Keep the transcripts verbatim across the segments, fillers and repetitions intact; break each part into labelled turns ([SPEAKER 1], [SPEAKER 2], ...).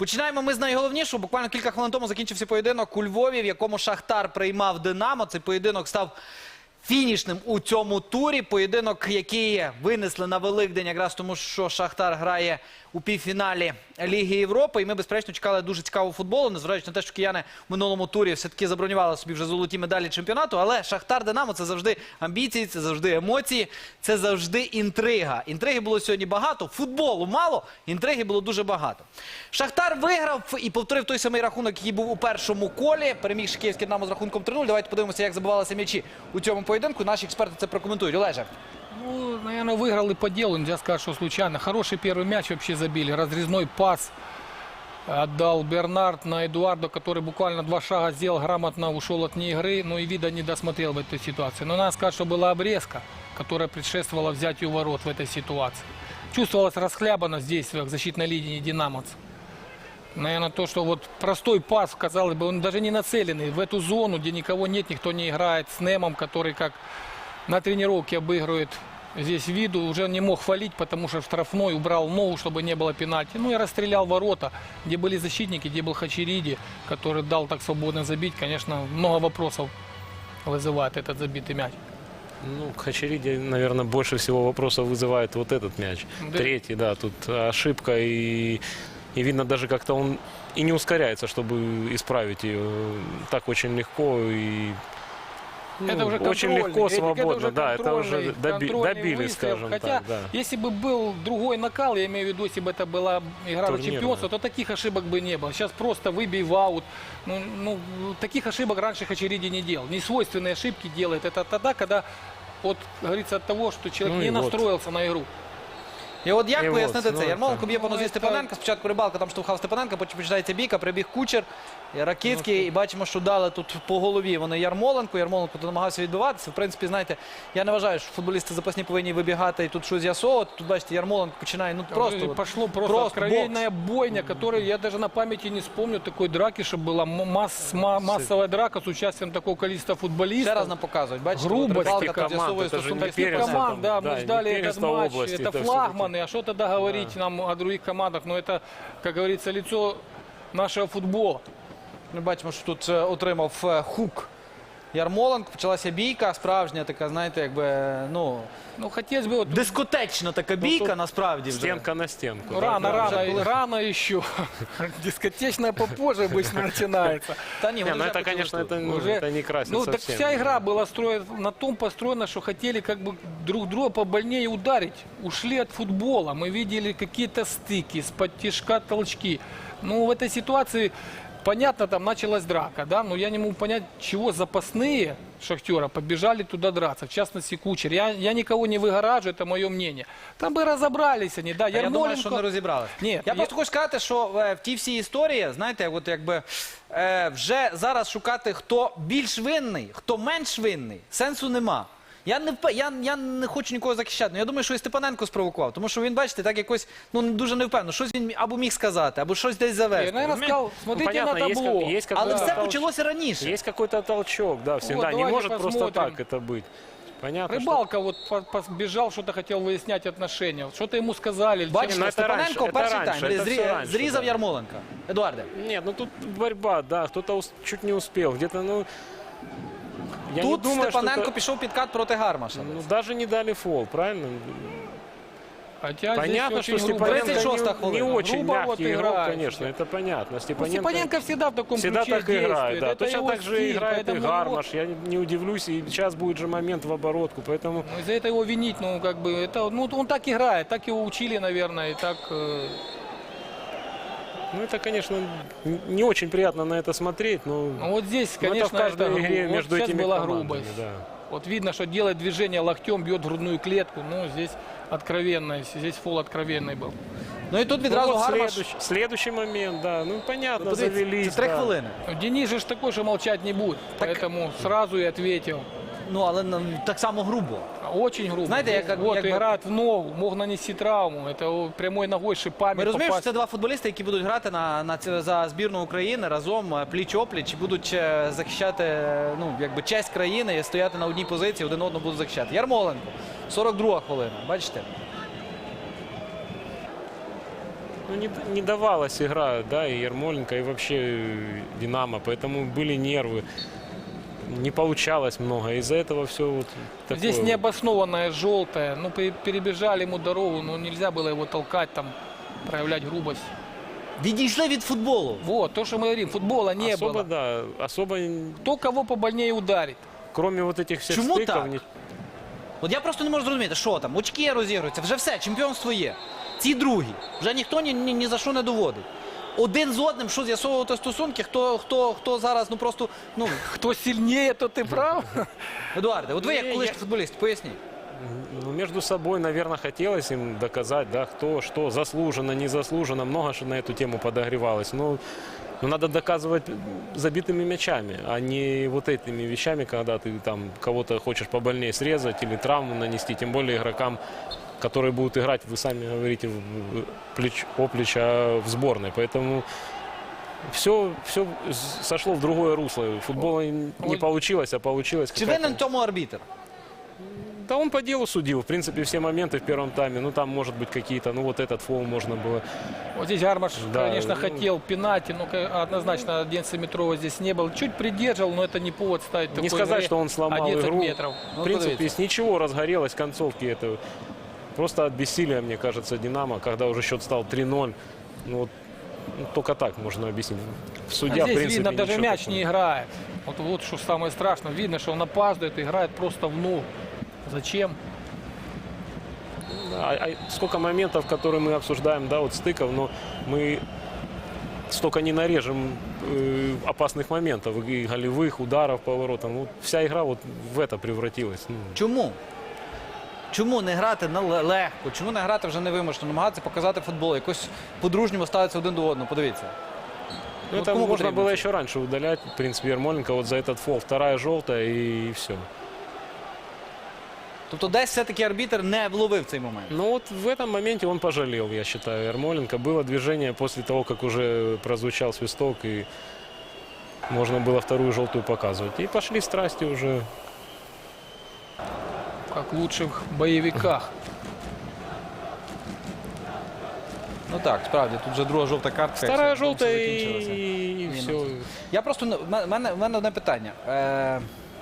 [SPEAKER 1] Починаємо ми з найголовнішого. Буквально кілька хвилин тому закінчився поєдинок у Львові, в якому Шахтар приймав Динамо. Цей поєдинок став фінішним у цьому турі. Поєдинок, який винесли на Великдень, якраз тому, що Шахтар грає у півфіналі Ліги Європи. І ми, безперечно, чекали дуже цікавого футболу, незважаючи на те, що кияни в минулому турі все-таки забронювали собі вже золоті медалі чемпіонату. Але Шахтар-Динамо – це завжди амбіції, це завжди емоції, це завжди інтрига. Інтриги було сьогодні багато, футболу мало, інтриги було дуже багато. Шахтар виграв і повторив той самий рахунок, який був у першому колі. Переміг Київське Динамо з рахунком три нуль. Давайте подивимося, як забивалися м'ячі у цьому поєдинку. Наші експерти це прокоментують. Олеже.
[SPEAKER 2] Ну, наверное, выиграл и по делу, нельзя сказать, что случайно. Хороший первый мяч вообще забили. Разрезной пас отдал Бернард на Эдуардо, который буквально два шага сделал, грамотно ушел от ней игры. Ну и вида не досмотрел в этой ситуации. Но надо сказать, что была обрезка, которая предшествовала взятию ворот в этой ситуации. Чувствовалась расхлябанность в действиях защитной линии динамовцев. Наверное, то, что вот простой пас, казалось бы, он даже не нацеленный в эту зону, где никого нет, никто не играет, с Немом, который как на тренировке обыгрывает здесь виду, уже не мог фалить, потому что штрафной убрал ногу, чтобы не было пенальти. Ну и расстрелял ворота, где были защитники, где был Хачериди, который дал так свободно забить. Конечно, много вопросов вызывает этот забитый мяч.
[SPEAKER 3] Ну, Хачериди, наверное, больше всего вопросов вызывает вот этот мяч.
[SPEAKER 2] Да.
[SPEAKER 3] Третий, да, тут ошибка, и, и видно даже как-то он и не ускоряется, чтобы исправить ее. Так очень легко и... Ну,
[SPEAKER 2] это уже
[SPEAKER 3] очень легко,
[SPEAKER 2] Эдик,
[SPEAKER 3] свободно,
[SPEAKER 2] это уже
[SPEAKER 3] да, это уже доби, добили,
[SPEAKER 2] выстрел.
[SPEAKER 3] скажем
[SPEAKER 2] Хотя,
[SPEAKER 3] так. Да.
[SPEAKER 2] если бы был другой накал, я имею в виду, если бы это была игра за чемпионство, то таких ошибок бы не было. Сейчас просто выбей в аут. Ну, ну, таких ошибок раньше Хачериди не делал. Несвойственные ошибки делает. Это тогда, когда, вот, говорится, от того, что человек
[SPEAKER 3] Ну
[SPEAKER 2] не
[SPEAKER 3] вот.
[SPEAKER 2] настроился на игру.
[SPEAKER 1] І от як
[SPEAKER 3] І
[SPEAKER 1] пояснити
[SPEAKER 3] от,
[SPEAKER 1] це?
[SPEAKER 3] ну,
[SPEAKER 1] Ярмоленко б'є по
[SPEAKER 2] ну,
[SPEAKER 1] нозі
[SPEAKER 2] це-
[SPEAKER 1] Степаненка. Спочатку Рибалка там штовхав Степаненка, потім починається бійка, прибіг Кучер, Ракицький. І бачимо, що дали тут по голові вони Ярмоленку. Ярмоленко тут намагався відбиватися. В принципі, знаєте, я не вважаю, що футболісти запасні повинні вибігати і тут щось з'ясовувати. Тут, бачите, Ярмоленко починає, ну, просто...
[SPEAKER 2] Просто,
[SPEAKER 1] от,
[SPEAKER 2] пошло просто,
[SPEAKER 1] просто
[SPEAKER 2] откровенная бойня, которую я даже на памяти не вспомню такой драки, чтобы была масс, ма- массовая драка с участием такого количества футболистов.
[SPEAKER 1] Ще раз нам показують, бачите,
[SPEAKER 2] Грубость
[SPEAKER 1] от Рибалка
[SPEAKER 3] команд,
[SPEAKER 1] тут з'ясовує
[SPEAKER 3] це ж
[SPEAKER 1] стосунки
[SPEAKER 3] не
[SPEAKER 1] з
[SPEAKER 3] перець,
[SPEAKER 1] Степаненком.
[SPEAKER 2] команд, да,
[SPEAKER 3] да,
[SPEAKER 2] мы
[SPEAKER 3] и
[SPEAKER 2] ждали
[SPEAKER 3] не
[SPEAKER 2] этот
[SPEAKER 3] Перестал
[SPEAKER 2] матч,
[SPEAKER 3] области,
[SPEAKER 2] это
[SPEAKER 3] это
[SPEAKER 2] флагманы, а что тогда говорить нам о других командах? Но это, как говорится, лицо нашего футбола.
[SPEAKER 1] Ми бачимо, що тут е, отримав е, хук Ярмоленко. Почалася бійка, справжня така, знаєте, якби, ну,
[SPEAKER 2] Ну, хотелось бы... Вот,
[SPEAKER 1] дискотечна така бійка,
[SPEAKER 3] тут
[SPEAKER 1] насправді вже.
[SPEAKER 3] Стенка на стенку.
[SPEAKER 2] ну,
[SPEAKER 3] да,
[SPEAKER 2] рано,
[SPEAKER 3] да.
[SPEAKER 2] рано,
[SPEAKER 1] уже было.
[SPEAKER 2] рано еще. Дискотечная попозже обычно начинается.
[SPEAKER 1] Та ні,
[SPEAKER 3] Не,
[SPEAKER 1] вони
[SPEAKER 3] ну
[SPEAKER 1] вже
[SPEAKER 3] это,
[SPEAKER 1] почали
[SPEAKER 3] конечно,
[SPEAKER 1] тут.
[SPEAKER 3] это, ну,
[SPEAKER 2] Уже-
[SPEAKER 3] это не красит
[SPEAKER 2] Ну, так
[SPEAKER 3] совсем.
[SPEAKER 2] вся игра была строена, на том построена, что хотели как бы друг друга побольнее ударить. Ушли от футбола. Мы видели какие-то стыки, из-под тишка толчки. Ну, в этой ситуации, понятно, там началась драка, да, но я не могу понять, чего запасные Шахтера побежали туда драться, в частности Кучер. Я, я никого не выгораживаю, это мое мнение. Там бы разобрались они, да.
[SPEAKER 1] А я думаю,
[SPEAKER 2] Ярмоленко-
[SPEAKER 1] що не розібрали.
[SPEAKER 2] Ні,
[SPEAKER 1] я,
[SPEAKER 2] я-
[SPEAKER 1] просто хочу сказати, що е, в тій всій історії, знаєте, от якби е, вже зараз шукати, хто більш винний, хто менш винний, сенсу нема. Я не, впе- я, я не хочу нікого захищати, але я думаю, що і Степаненко спровокував, тому що він, бачите, так якось, ну, дуже невпевнено. Щось він або міг сказати, або щось десь
[SPEAKER 2] Я,
[SPEAKER 1] завести.
[SPEAKER 2] наверное,
[SPEAKER 1] розумієте?
[SPEAKER 2] сказал, смотрите
[SPEAKER 3] понятно,
[SPEAKER 2] на
[SPEAKER 3] есть
[SPEAKER 2] табло.
[SPEAKER 3] как- есть как-
[SPEAKER 1] Але
[SPEAKER 3] да,
[SPEAKER 1] все
[SPEAKER 3] толч-
[SPEAKER 1] почалося раніше.
[SPEAKER 3] Есть какой-то толчок, да, всегда. не
[SPEAKER 2] давайте
[SPEAKER 3] может просто
[SPEAKER 2] посмотрим.
[SPEAKER 3] так это быть. Понятно, что...
[SPEAKER 2] Рыбалка вот по- побежал, что-то хотел выяснять отношения. Вот что-то ему сказали.
[SPEAKER 1] Бачите,
[SPEAKER 3] ну, це
[SPEAKER 1] Степаненко
[SPEAKER 3] раніше,
[SPEAKER 1] перший
[SPEAKER 3] це
[SPEAKER 1] тайм
[SPEAKER 3] раніше, це
[SPEAKER 1] зрі-
[SPEAKER 3] все раніше,
[SPEAKER 1] зрізав
[SPEAKER 3] да.
[SPEAKER 1] Ярмоленка. Едуарде,
[SPEAKER 3] Нет, ну тут борьба, да, кто-то ус- чуть не успел, где-то, ну... Я
[SPEAKER 1] тут
[SPEAKER 3] не думаю,
[SPEAKER 1] Степаненко
[SPEAKER 3] что это-
[SPEAKER 1] пішов підкат проти Гармаша.
[SPEAKER 3] ну, даже не дали фол, правильно?
[SPEAKER 2] Хотя
[SPEAKER 3] Понятно,
[SPEAKER 2] здесь
[SPEAKER 3] что
[SPEAKER 2] очень грубо.
[SPEAKER 3] Степаненко
[SPEAKER 1] тридцать шестая
[SPEAKER 3] не, не
[SPEAKER 1] хвилина.
[SPEAKER 3] очень
[SPEAKER 2] Грубо вот
[SPEAKER 3] мягкий игрок,
[SPEAKER 2] играет.
[SPEAKER 3] конечно, это понятно.
[SPEAKER 2] Ну,
[SPEAKER 3] Степаненко,
[SPEAKER 2] Степаненко всегда в таком
[SPEAKER 3] всегда
[SPEAKER 2] ключе
[SPEAKER 3] так и играет,
[SPEAKER 2] действует.
[SPEAKER 3] да.
[SPEAKER 2] Это
[SPEAKER 3] Точно
[SPEAKER 2] его
[SPEAKER 3] так же
[SPEAKER 2] стиль,
[SPEAKER 3] играет и
[SPEAKER 2] поэтому
[SPEAKER 3] Гармаш, я не, не удивлюсь, и сейчас будет же момент в оборотку, поэтому...
[SPEAKER 2] его- ну, из-за этого его винить, ну, как бы, это, ну, он так играет, так его учили, наверное, и так... э,
[SPEAKER 3] Ну, это, конечно, н- не очень приятно на это смотреть, но...
[SPEAKER 2] ну, вот здесь,
[SPEAKER 3] но
[SPEAKER 2] конечно,
[SPEAKER 3] это в каждой
[SPEAKER 2] это
[SPEAKER 3] игре
[SPEAKER 2] грубо.
[SPEAKER 3] между
[SPEAKER 2] Вот сейчас
[SPEAKER 3] этими
[SPEAKER 2] была
[SPEAKER 3] командами,
[SPEAKER 2] грубость.
[SPEAKER 3] да.
[SPEAKER 2] Вот видно, что делает движение локтем, бьет в грудную клетку. Ну, здесь откровенность, здесь фол откровенный был.
[SPEAKER 1] Ну і тут
[SPEAKER 3] Ну,
[SPEAKER 1] відразу
[SPEAKER 3] вот
[SPEAKER 1] Гармаш.
[SPEAKER 3] следующий, следующий момент, да, ну, понятно,
[SPEAKER 1] Подивіться,
[SPEAKER 3] завелись.
[SPEAKER 1] це три
[SPEAKER 3] да.
[SPEAKER 1] хвилини.
[SPEAKER 2] Ну, Денис же ж такой, что молчать не будет.
[SPEAKER 1] Так-
[SPEAKER 2] Поэтому сразу и ответил.
[SPEAKER 1] Ну, але ну, так само грубо.
[SPEAKER 2] Очень грубо.
[SPEAKER 1] Знаете, я как-
[SPEAKER 2] вот
[SPEAKER 1] как бы-
[SPEAKER 2] играет в ногу, мог нанести травму. Это о, прямой ногой шипами
[SPEAKER 1] Ми розуміємо, що
[SPEAKER 2] попасть.
[SPEAKER 1] це два футболісти, які будуть грати на, на, ці- за збірну України разом е, пліч-опліч і будуть е, захищати е, ну, якби честь країни і стояти на одній позиції, один одного будуть захищати. Ярмоленко, сорок друга хвилина, бачите?
[SPEAKER 3] Ну, не, не давалась игра, да, и Ермоленко, и вообще э, Динамо, поэтому были нервы. Не получалось много, из-за этого все вот такое.
[SPEAKER 2] Здесь
[SPEAKER 3] вот.
[SPEAKER 2] необоснованное желтое. Ну, пе- перебежали ему дорогу, но нельзя было его толкать, там, проявлять грубость.
[SPEAKER 1] Відійшли від футболу.
[SPEAKER 2] Вот, то, что мы говорим, футбола не
[SPEAKER 3] Особо,
[SPEAKER 2] было.
[SPEAKER 3] да, особо, н-
[SPEAKER 2] Кто кого побольнее ударит.
[SPEAKER 3] кроме вот этих всех
[SPEAKER 1] Чему
[SPEAKER 3] стыков,
[SPEAKER 1] так?
[SPEAKER 3] ни-
[SPEAKER 1] От я просто не можу зрозуміти, що там, очки розігруються, вже все, чемпіонство є. Ці другі. Вже ніхто ні, ні, ні за що не доводить. Один з одним, що з'ясовувати стосунки, хто, хто, хто зараз, ну просто, ну,
[SPEAKER 2] Кто сильнее, тот и прав.
[SPEAKER 1] Едуарде, от ви
[SPEAKER 3] Ні,
[SPEAKER 1] як колишній
[SPEAKER 3] я-
[SPEAKER 1] футболіст, поясніть.
[SPEAKER 3] ну, между собой, наверное, хотелось им доказать, да, кто что, заслуженно, незаслуженно, много что на эту тему подогревалось. Но, но надо доказывать забитыми мячами, а не вот этими вещами, когда ты там кого-то хочешь побольнее срезать или травму нанести, тем более игрокам, которые будут играть, вы сами говорите, в- в- плеч, оплеч, а в сборной. Поэтому все, все сошло в другое русло. Футбола не
[SPEAKER 2] Ой.
[SPEAKER 3] получилось, а получилось
[SPEAKER 1] Чи
[SPEAKER 3] какая-то-
[SPEAKER 1] винен в тому арбітр?
[SPEAKER 3] Да он по делу судил, в принципе, все моменты в первом тайме. Ну, там, может быть, какие-то, ну, вот этот фол можно было.
[SPEAKER 2] Вот здесь Гармаш,
[SPEAKER 3] Да,
[SPEAKER 2] конечно,
[SPEAKER 3] ну-
[SPEAKER 2] хотел пенальти, но ка- однозначно одиннадцатиметрового здесь не было. Чуть придерживал, но это не повод ставить
[SPEAKER 3] Не
[SPEAKER 2] такой
[SPEAKER 3] сказать,
[SPEAKER 2] игре
[SPEAKER 3] что он сломал
[SPEAKER 2] одиннадцать
[SPEAKER 3] игру.
[SPEAKER 2] метров.
[SPEAKER 1] Ну,
[SPEAKER 3] В принципе,
[SPEAKER 1] подивіться.
[SPEAKER 3] с ничего разгорелось в концовке этого. Просто от бессилия, мне кажется, Динамо, когда уже счет стал три ноль. Ну, вот, ну, только так можно объяснить.
[SPEAKER 2] А
[SPEAKER 3] Судья, в
[SPEAKER 2] здесь
[SPEAKER 3] принципе,
[SPEAKER 2] видно, даже
[SPEAKER 3] ничего
[SPEAKER 2] мяч
[SPEAKER 3] такого.
[SPEAKER 2] не играет. Вот, вот что самое страшное. Видно, что он опаздывает, играет просто в ноль. Зачем?
[SPEAKER 3] Да, а- а сколько моментов, которые мы обсуждаем, да, вот стыков, но мы столько не нарежем э, опасных моментов, и голевых, ударов по воротам. Вот вся игра вот в это превратилась. Ну,
[SPEAKER 1] Чому? Чому не грати на ле- легко? Чому не грати вже невимушено? Намагатися показати футбол, якось по-дружньому ставитися один до одного. Подивіться.
[SPEAKER 3] Ну,
[SPEAKER 1] Вот
[SPEAKER 3] это
[SPEAKER 1] кому
[SPEAKER 3] можно
[SPEAKER 1] потребно
[SPEAKER 3] было
[SPEAKER 1] це?
[SPEAKER 3] еще раньше удалять. В принципе, Ермоленко вот за этот фол. Вторая желтая и все.
[SPEAKER 1] Тобто десь все-таки арбітр не вловив цей момент.
[SPEAKER 3] Но вот в этом моменте он пожалел, я считаю, Ермоленко. Было движение после того, как уже прозвучал свисток, и можно было вторую желтую показывать. И пошли страсти уже.
[SPEAKER 2] Как в лучших боевиках.
[SPEAKER 1] Ну так, справді, тут вже друга жовта картка.
[SPEAKER 3] Вторая
[SPEAKER 1] і все,
[SPEAKER 3] желтая
[SPEAKER 1] все закінчилося.
[SPEAKER 3] и,
[SPEAKER 1] Ні,
[SPEAKER 3] все.
[SPEAKER 1] ну, Я просто, ну, в мене, в мене одне питання. Е...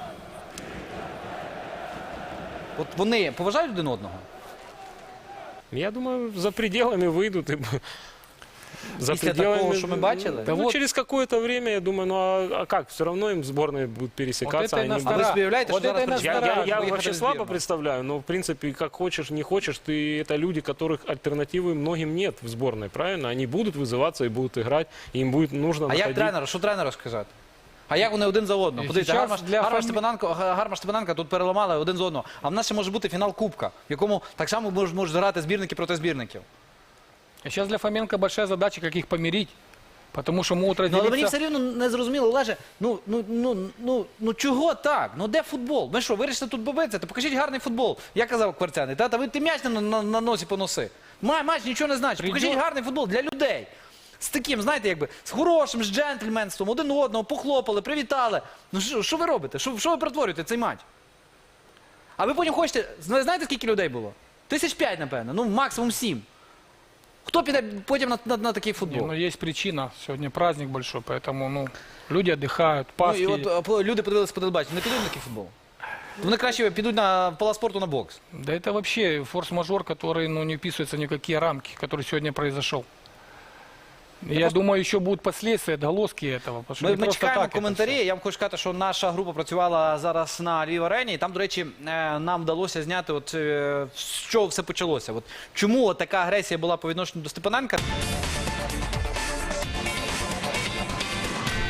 [SPEAKER 1] От вони поважають один одного?
[SPEAKER 3] Я думаю, за пределами выйдут. И... За
[SPEAKER 1] Після такого, що ми бачили?
[SPEAKER 3] Ну,
[SPEAKER 2] Да вот.
[SPEAKER 3] через какое-то время, я думаю, ну а, а как? Все равно им сборные будут пересекаться.
[SPEAKER 2] Вот это и
[SPEAKER 3] они
[SPEAKER 1] А ви
[SPEAKER 3] будут-
[SPEAKER 1] собі уявляєте,
[SPEAKER 2] Вот
[SPEAKER 1] що
[SPEAKER 2] это
[SPEAKER 1] зараз
[SPEAKER 2] і нас
[SPEAKER 3] Я,
[SPEAKER 1] почнуть
[SPEAKER 3] я, я
[SPEAKER 1] виїхати
[SPEAKER 3] вообще
[SPEAKER 1] в
[SPEAKER 3] слабо
[SPEAKER 1] збірну?
[SPEAKER 3] представляю, но в принципе, как хочешь, не хочешь, ты это люди, которых альтернативы многим нет в сборной, правильно? Они будут вызываться и будут играть, и им будет нужно
[SPEAKER 1] А як
[SPEAKER 3] находить.
[SPEAKER 1] тренеру? Що тренеру сказати? А як вони один за одного?
[SPEAKER 2] І
[SPEAKER 1] Подивіться,
[SPEAKER 2] зараз
[SPEAKER 1] Гармаш,
[SPEAKER 2] для
[SPEAKER 1] Гармаш,
[SPEAKER 2] фамі-
[SPEAKER 1] Степаненко, Гармаш Степаненка тут переламали один з одного. А в нас ще може бути фінал Кубка, в якому так само можуть, можуть грати збірники проти збірників.
[SPEAKER 2] А сейчас для Фоменко большая задача, как их помирить. Потому что могут
[SPEAKER 1] Ну, але мені
[SPEAKER 2] разделиться.
[SPEAKER 1] все рівно не зрозуміло, Олеже, ну, ну, ну, ну, ну чого так? Ну де футбол? Ми що, вирішили тут побитися? То покажіть гарний футбол. Я казав Кварцяний, та, та ви ти м'яч на, на, на носі поноси. Май, матч нічого не значить.
[SPEAKER 2] Прийдет-
[SPEAKER 1] Покажіть гарний футбол для людей. З таким, знаєте, якби, з хорошим, з джентльменством, один одного, похлопали, привітали. Ну що, що ви робите? Що, що ви перетворюєте цей матч? А ви потім хочете, зна- знаєте, скільки людей було? Тисяч п'ять, напевно, ну максимум сім. Хто піде потім на, на, на такий
[SPEAKER 2] Не,
[SPEAKER 1] футбол?
[SPEAKER 2] ну, есть причина. Сегодня праздник большой, поэтому ну, люди отдыхают.
[SPEAKER 1] Ну,
[SPEAKER 2] Пасхи.
[SPEAKER 1] і от а, по- люди подивилися по телебаченню, не підуть на такий футбол. Вони краще підуть на в палац спорту на бокс.
[SPEAKER 2] Да это вообще форс-мажор, который ну, не вписывается ни в какие рамки, который сегодня произошел. Я,
[SPEAKER 1] просто-
[SPEAKER 2] думаю, еще будут последствия, отголоски этого. Потому что
[SPEAKER 1] Ми,
[SPEAKER 2] не
[SPEAKER 1] ми
[SPEAKER 2] просто
[SPEAKER 1] чекаємо
[SPEAKER 2] так это
[SPEAKER 1] коментарі.
[SPEAKER 2] всё.
[SPEAKER 1] Я вам хочу сказати, що наша група працювала зараз на Львів арені. І там, до речі, е, нам вдалося зняти, от, е, з чого все почалося. От, чому от така агресія була по відношенню до Степаненка.